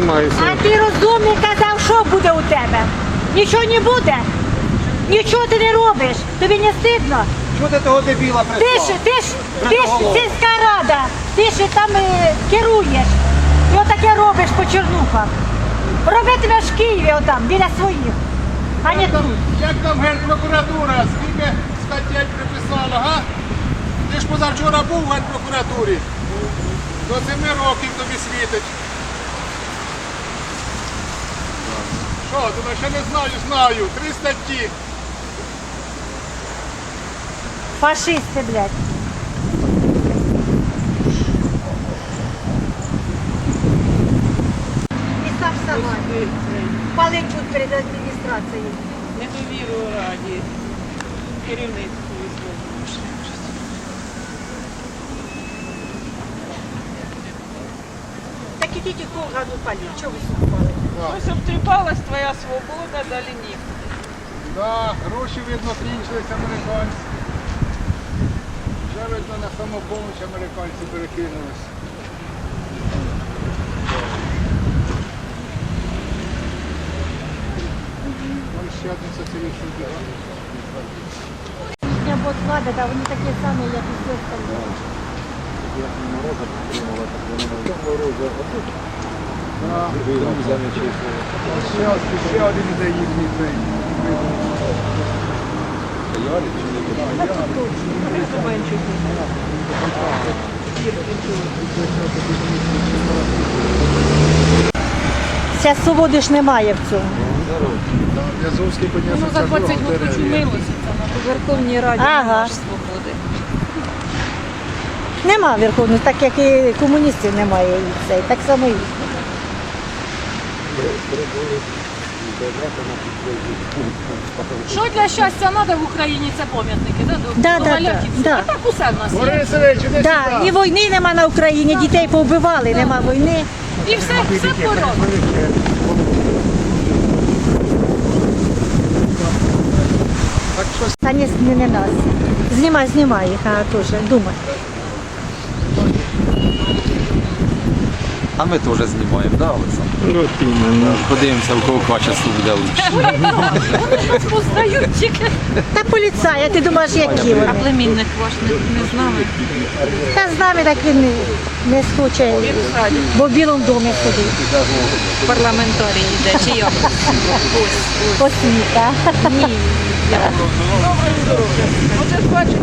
займаюся. А ти розумний казав, що буде у тебе? Нічого не буде? Нічого ти не робиш? Тобі не стидно? Чого ти того дебіла прислав? Ти ж сільська рада, ти ж там керуєш. І отаке робиш по Чернухах. Робитимеш в Києві отам, біля своїх, а не тут. Як там Генпрокуратура? Скільки статей приписала, га? Ти ж позавчора був в Генпрокуратурі. До 7 років тобі світить. Що, думаєш, я не знаю, знаю. 3 статті. Фашисти, блядь. І сам сама. Палить тут перед адміністрацією. Недовіру раді керівництву висловлюєш. Так ідіть і кургану паліть. Чого ви сюди палите? Ось обтріпалась твоя свобода, далі ні. Да, гроші, видно, кінчились американці. Вже, видно, на самопоміч американці перекинулись. Вон ще один соціалістичний бюро. Я бот влада, да, вони такі самі, як і всі остальні. Ще один іде їхній цей. Ця свободи ж немає в цьому. Язовський підняв Ну, за 20 років чумилося в Верховній Раді, Ага. нема ж свободи. Нема верховної, так як і комуністів немає і цей, так само і. Що для щастя треба в Україні, це пам'ятники, да? Да, До да, маляків. да, да. А так усе в нас є. Борисович, іди Да, сюди. і війни нема на Україні, дітей повбивали, нема війни. І все порядку. Та не нас. Знімай їх, а теж, думай. А ми теж знімаємо, да, Олександр? Подивимося, у кого качество буде лучше. Вони нас познають тільки. Та поліцаї, ти думаєш, які вони? Племінник ваш не з нами. Та з нами так він не схоче, бо в Білому домі сидить. Парламентарій йде, чи як? Освіта. Ні. Оце ж бачите.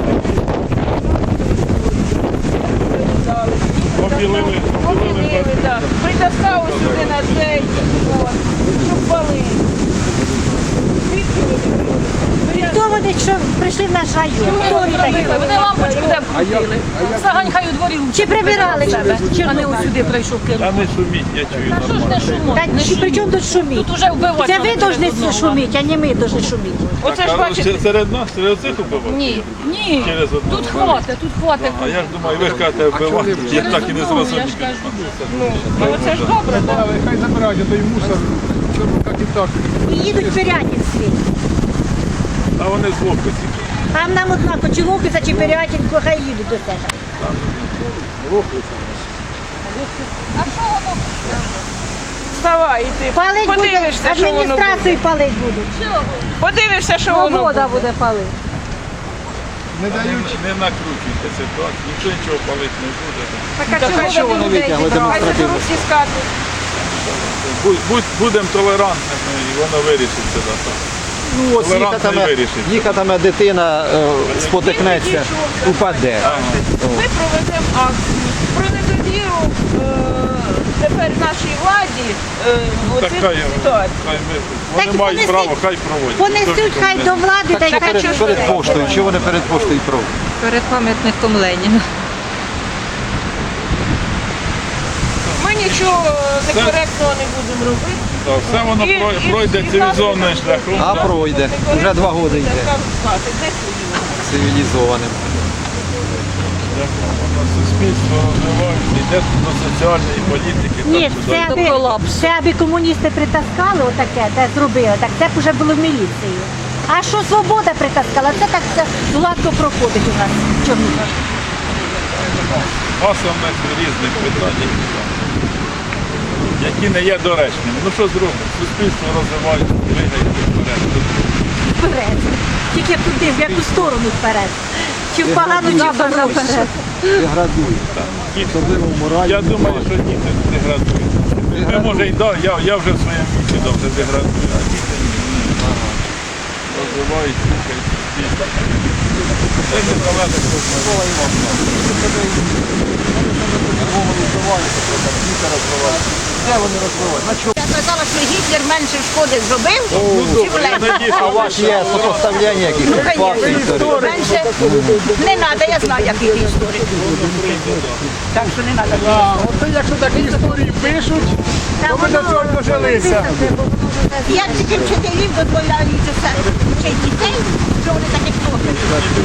Побілили. Побілили, так. Притаскали сюди на цей, от, щоб палити. Звідки ви не прийшли? Хто вони, що прийшли в наш район? Хто вони такі? Вони лампочку де вкрутили. Загань хай у дворі Чи прибирали? а не ось сюди прийшов керівник. Та не шуміть, я чую Та що ж не шумить? Та Не чи при чому шуміть. тут шуміть? Тут уже вбивати. Це ви треба повинні одного. шуміти, а не ми повинні шуміти. Оце ж бачите. серед нас, серед цих убивати? Ні, ні. Через одного. Тут хватить. А я ж думаю, ви ж кажете вбивати, я так і не Я зрозумів. ж кажу. Ну, оце ж добре, так. Хай забирають, а той мусор. Як і так. І їдуть в Пирятинський. А вони з боку ці. Там нам одна Кочеловкиця чи Пирятинку, хай їдуть до себе. Вставай, іди. Палить буде, Подивишся, що воно буде. адміністрацію палить будуть. Подивишся, що воно Свобода буде. буде палити. Не дають. Не накручуйте ситуацію, ніхто нічого палити не буде. Так, а чого вони витягли демонстративно? Хай всі скажуть. Будемо толерантними і воно вирішиться. Да. Ну, ось Толерантно вирішить. їхатиме дитина, спотикнеться, упаде. Ми проведемо акцію про недовіру тепер нашій владі Так оцих хай, ситуацій. Так вони мають понесуть- право, хай проводять. Понесуть хай до влади, та й Це хай перед що поштою, що вони перед поштою про? Перед пам'ятником Леніна. Ми нічого некоректного не будемо робити. Так, все воно пройде цивілізованим шляхом. А да. пройде. Уже 2 роки йде цивілізованим. Суспільство розвивається, йде до соціальної політики. Ні, так, це туди. аби комуністи притаскали отаке, та зробили, так це б вже було в міліції. А що свобода притаскала, це так все гладко проходить у нас в Чернігові. Маса в нас різних питань. які не є доречними. Ну що зробимо? Суспільство розвивається, двигається вперед. Вперед. Тільки туди, в яку сторону вперед. Чи в погану, чи в добру вперед. Я думаю, що діти деградують. Ми, може, і да, я вже в своєму віці вже деградую, а діти ні. Розвивають, слухають суспільство. Це не залежить від Я казала, що Гітлер менше шкоди зробив, чим Ленін. А у вас є сопоставляння якихось Ну, фактів? конечно. Менше не треба, я знаю, який ти історик. Так що не треба. От якщо такі історії пишуть, то ми до цього дожилися. Я тільки вчителів дозволяю це вчить дітей, що вони таких слухають.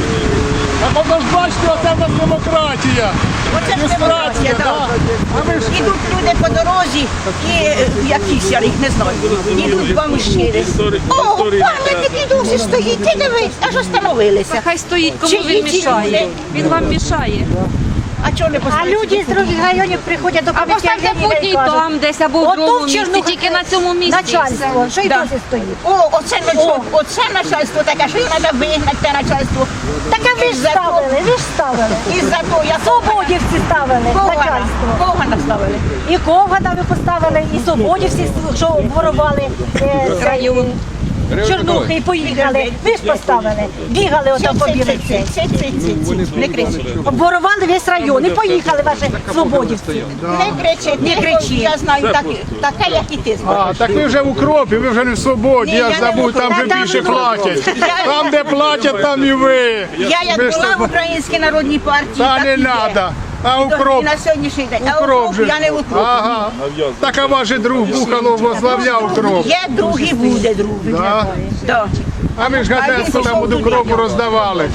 А воно ж бачите, оце в нас демократія. Оце ж демократія, да? так. А ви ж Ідуть люди по дорозі і якісь, я їх не знаю, ідуть бомжири. О, пам'ятник і досі стоїть, ти дивись, аж остановилися. Хай стоїть, кому Чи він є мішає. ці люди? Він вам мішає. А чого не А поставити? люди з других районів приходять до Або комітетів ставте по одній там десь, або в другому місці, тільки на цьому місці. Начальство, що й Да. досі стоїть. О, оце начальство таке, що його треба вигнати, те начальство. Так а ви ж Із-за того- ставили, ви ж ставили. Із-за того, я Свободівці ставили, начальство. Когана ставили. І Ковгана ви поставили, і свободівці, що ворували район. Чорнухи і поїхали. Ви ж поставили. Бігали отам по білиці. Не кричи. Обворували весь район і поїхали ваші свободівці. Не кричи, не кричи. Я знаю таке, як і ти знаєш. А, так ви вже в укропі, ви вже не в свободі, Ні, я я ж не забув, в там укропі. вже Та більше там платять. Я- Там, де платять, там і ви. Я як Ви ж була там- в Українській народній партії, Та так не і є. треба. А І укроп, на сьогоднішній день. А укроп укроп же. я не в укропі. Ага. Так а ваш же друг Бухало возглавляв укроп. Є другий, буде другий. Да. Да. А ми ж газетку там у укропу роздавали.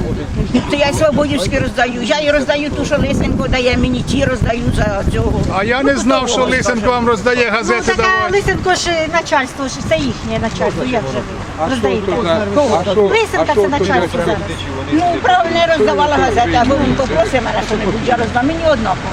То я й свободівські роздаю. Я і роздаю ту, що Лисенко дає мені, ті роздаю за цього. А я не знав, що Лисенко вам роздає Ну, газети така давати. Лисенко ж начальство, ж це їхнє начальство. Як же ви роздаєте? Лисенка це начальство зараз. Ну, правильно, я роздавала газети, або він попросив мене що-небудь, я роздам, мені однаково.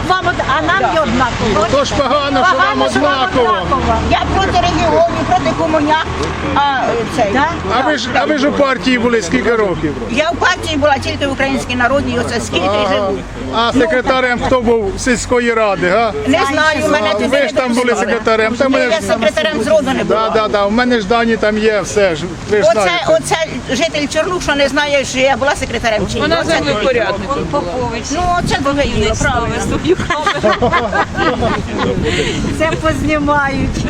А нам є однаково. То ж погано, що вам однаково. Я проти регіонів, проти комуняк, а цей. Да? А ви ж у партії були скільки років? Я в партії була тільки в Українській народній, оце скільки живу. А секретарем хто був сільської ради, га? Не знаю, мене туди Ви ж там були секретарем. Та мене Я ж... секретарем зроду не була. Да, у мене ж дані там є, все ж. Ви ж знаєте. Оце житель Чорнух, що не знає, що я була секретарем чи ні. Вона Оце землю друге. порядник. Он Попович. Ну, це друге діло, правильно. Свою камеру. Це познімають.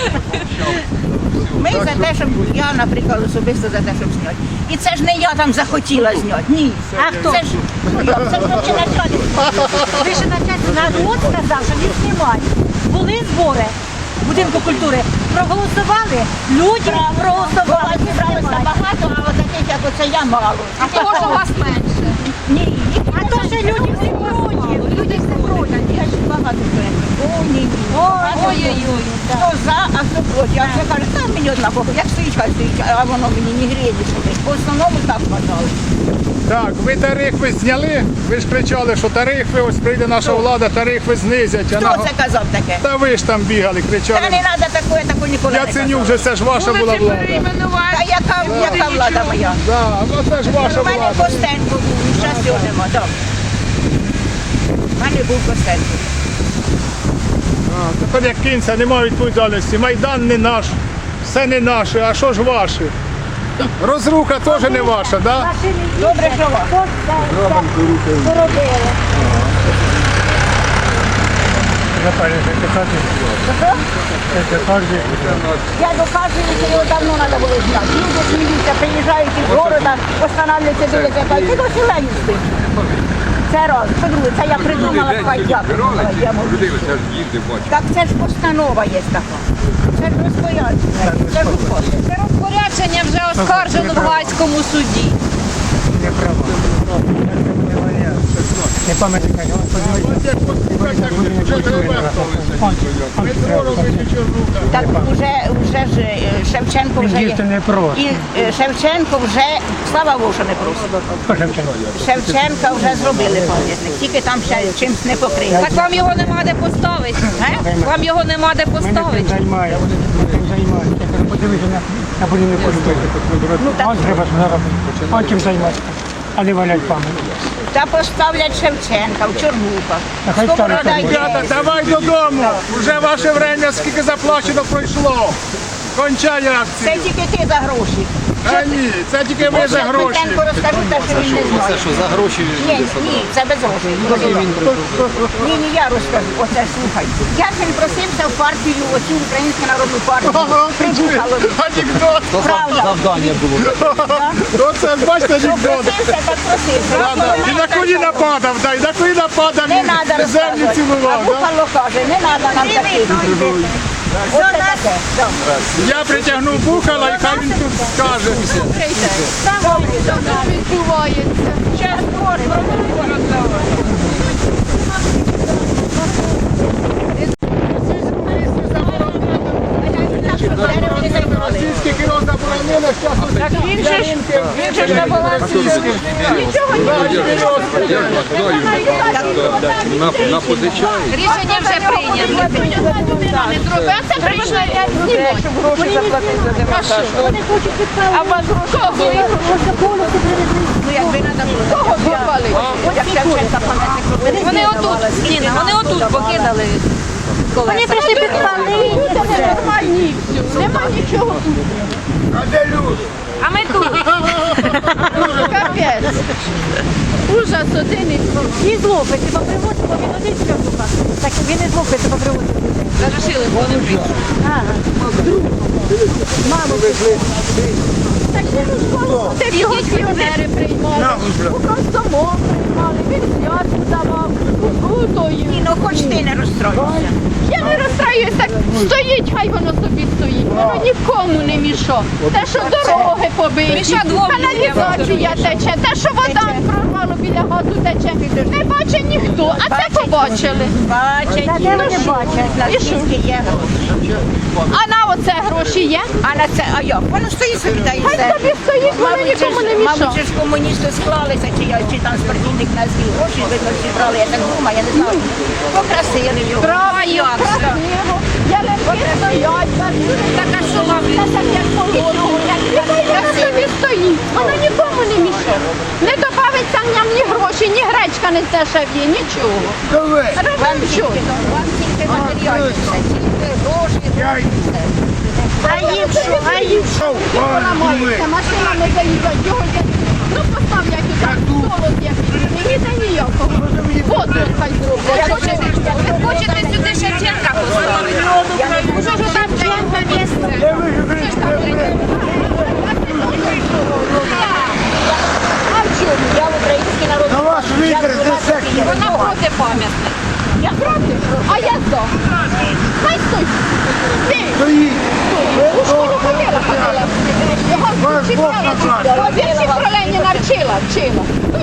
Ми за те, щоб я, наприклад, особисто за те, щоб зняти. І це ж не я там захотіла зняти. Ні. А хто? Це ж це ж вообще начальник. Ви ще начальство народ сказав, що не знімають. Були збори в будинку культури. Проголосували, люди проголосували. Буває, зібралося багато, а от таких, як оце я мало. А того, що вас менше. Ні, А то ще люди всі проти. Люди всі проти. я ж багато проєктів. О, ні. Ой-ой-ой. Хто за, а хто проти. А вже каже, там мені однаково, як стоїть, хай стоїть, а воно мені не гріє нічого. По основному так вважали. Так, ви тарифи зняли? Ви ж кричали, що тарифи, ось прийде наша влада, тарифи знизять. А Хто це казав таке? Та ви ж там бігали, Та кричали. не треба такого, я такого ніколи не Я казала. ценю вже, це ж ваша була влада. Та яка влада моя? Да, ну це ж ваша У мене влада. Костенко був, зараз його нема, так. У мене був Костенко. Тепер як кінця, немає відповідальності. Майдан не наш, все не наше, а що ж ваше? Розруха теж не ваша, да? Добре, що вам? Поробили. Я доказую, що його давно треба було зняти. Люди сміються, приїжджають із города, останавливаються, дивляться, кажуть, ти досі Ленін спиш. Це раз. По-друге, це я придумала, хай я придумала. Я можу. Так це ж постанова є така. Це ж розпорядження, це ж указ. Це розпорядження вже оскаржено в Галицькому суді. Не пам'ятника, Ось як послухайте, так вже ребята. Метро робить Чорнуха. Так вже ж Шевченко вже їсти є. не просто. І Шевченко вже, слава Богу, що не просто. Шевченка вже зробили пам'ятник, тільки там ще чимось не покрили. Так вам його нема де поставити. Вам його нема де Ми не тим поставити. займаємося. Я кажу, подивися на будівельну політику. Он треба ж заробити. Он чим займатися, а не валять пам'ятник. Та поставлять Шевченка в Чорнухах. Та хай Сковорода ставлять. йде. Ребята, давай додому. Уже ваше время, скільки заплачено, пройшло. Кончай Це акцію. тільки ти за гроші. А ні, це тільки ви за гроші. Шевченко розкажу те, що він не Це знає. що, за гроші Ні, ні, це без грошей. Ні, я розкажу. Оце слухай. Як він просився в партію, оцю Українську народну партію. Прибухало. Анекдот. Правда. завдання було. Оце, бачите, анекдот. Просився, так просився. І на коліна падав, да, і на коліна падав, Не треба і землю розказувати. А цілував. да? Бухало каже, не треба нам таких. Оце таке. Я притягнув Бухала, і хай він тут скаже. Російський кіно заборонили, зараз Він же ж на балансі. Напозичають. Рішення вже прийнято. Щоб гроші заплатити за демонтаж. А вас гроші ну якби треба було. Кого попали? Як Шевченка пам'ятник робили. Вони отут, Ніна, вони отут покидали. Вони прийшли підпалити. Нормальні все. Нема нічого тут. А ми тут. Капець. Ужас один і І злопить, бо привозить, бо він один Чорнуха. Так він і злопить, бо привозить. Зажишили, бо вони прийшли. Ти його піонери приймали, у Комсомол приймали, він зв'язку давав, у Крутої. Ні, ну хоч ти не розстроївся. Я не розстраюсь, так стоїть, хай воно собі стоїть. Воно нікому не мішо. Те, що дороги побиті, Міша двом каналізація тече, те, що вода прорвало біля газу тече. Не бачить ніхто, а це побачили. Бачать. Та де вони бачать? І що? А на оце гроші є? А на це, а як? Воно стоїть собі та і все. Хай собі стоїть, воно нікому не мішає. Мабуть, ж комуністи склалися, чи там спортивник на звіл. Гроші зібрали, я так думаю, я не знаю. Покрасили його. Красиво. Ялинки стоять, так а що вам? Так як положено. Воно собі стоїть, воно нікому не мішає. Не добавиться в ньому ні гроші, ні гречка не здешев'є, нічого. Вам що? Вам тільки матеріальні все, тільки гроші, все. А їм що? А їм що? Поламається, машина не заїжджать, його є. Ну поставлять отак, солод якийсь, не їде ніякого. Воду хай зроблять. Ви хочете сюди Шевченка поставити? Що ж там Шевченка місце? Що ж там прийде? А в чому? Я в український народ. На ваш вітер здесь Вона проти пам'ятник. Я проти. А я за. Хай стоїть. Ти. стоїть. У школу ходила. Його вчила. Вірші про Леніна вчила.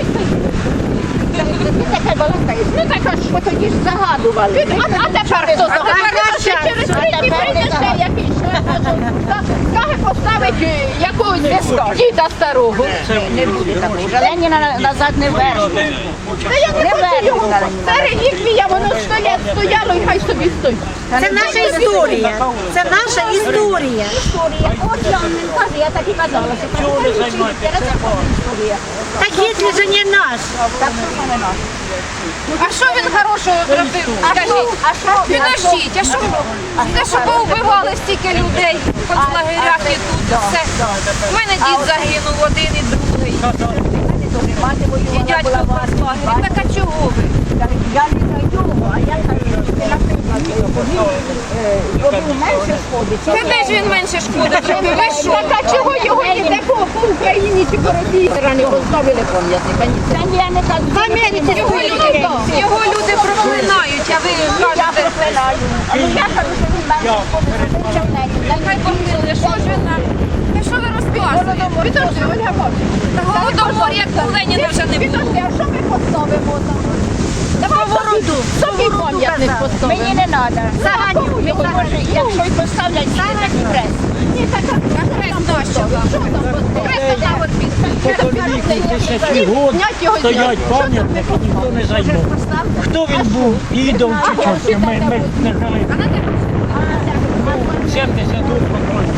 Ну таке балакає. Ну так а що тоді ж загадували. А тепер хто загадує? Через 3 дні прийде ще якийсь скаже поставить якогось діда старого. Не буде такого. Вже Леніна назад не верне. Та я не хочу його. Це реліквія, воно стояло і хай собі стоїть. Це наша історія. Це наша історія. Історія. От я вам не кажу, я так і казала. Історія. Так якщо ж не наш. Так що в мене наш. А що він хорошого зробив? Скажіть. Підождіть, а що? Те, що повбивали стільки людей в концлагерях і тут все. У мене дід загинув один і другий. Мати І воювала дядько була в концлагері. Так а чого ви? Я не знаю, а я кажу, ти наприклад, робив менше шкоди. Та де ж він менше шкоди зробив? Ви що? Так а чого його ніде по Україні чи по Росії не поставили пам'ятника? Це я не кажу. Пам'ятники Його люди проклинають, а ви Я кажете, проклинаю. Але я кажу, що він менше шкоди зробив, чим не. хай помили, що ж ви нам? Та що ви розказуєте? Підожди, Ольга Павлівна. Голодомор, як у Леніна вже не було. Підожди, а що ми поставимо там? Давай собі пам'ятник поставимо. Мені не треба. Заганю. Може, якщо й поставлять, ні, так і хрест. Ні, так Хрест нащо вам? Хрест там от Стоять пам'ятники, ніхто не займе. Хто він був? Ідол чи чорт? Ми не знали. 70 років покойно.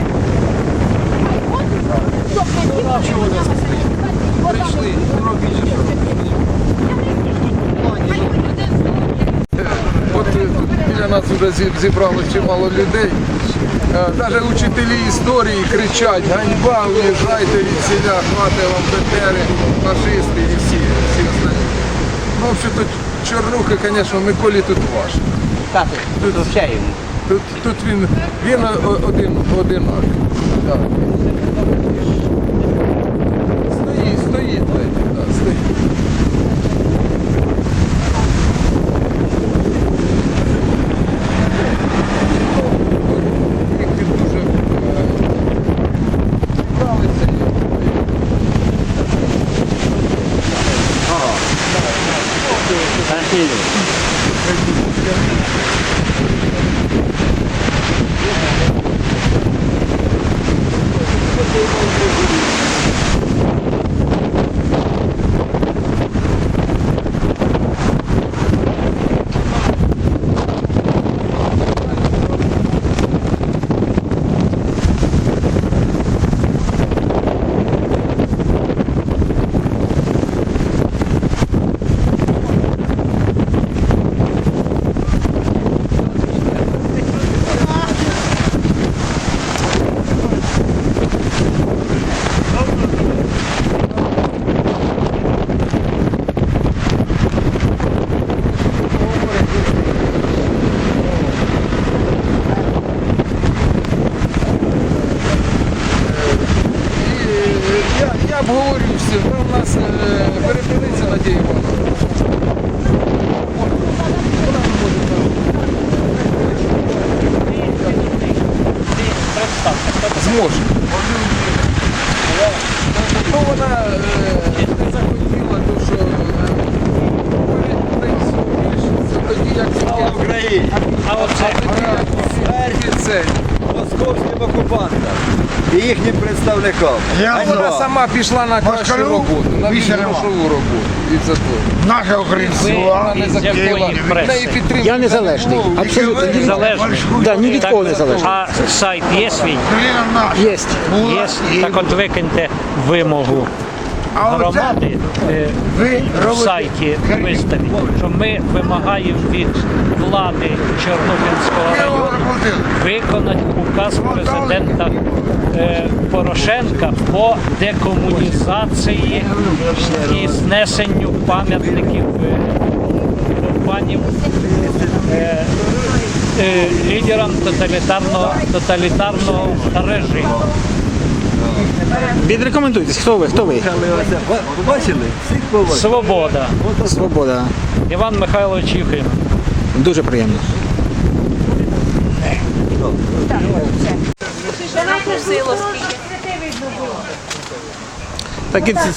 От біля нас вже зібралося чимало людей. Навіть учителі історії кричать: ганьба, уїжджайте від селя, хватить вам БТРи, фашисти і всі остальні. Ну, взагалі, тут Чорнуха, звісно, Миколі тут важко. Тут він одинакий. Так. Стоїть, так, стоїть. Їх тут дуже нравиться. Я обговорюю все, у нас перепиниться Надія Івановна. Зможе. Ну, вона не захотіла, то що тоді як Слава Україні! це. Московським окупантам і їхнім представникам. Вона сама пішла на кращу роботу, на грошову роботу. І це то. Наша українська. Вона не захотіла. Неї підтримки. Я незалежний, абсолютно Незалежний. Да, ні від кого не залежний. А сайт є свій? Є. Є. Так от викиньте вимогу громади в сайті виставіть, що ми вимагаємо від влади Чорнобильського району виконати указ президента Порошенка по декомунізації і знесенню пам'ятників лідерам тоталітарного режиму. Відрекомендуйтесь, хто ви? Хто ви? Бачили? Всіх побачили. Свобода. Свобода. Іван Михайлович Єфим. Дуже приємно. Так і це.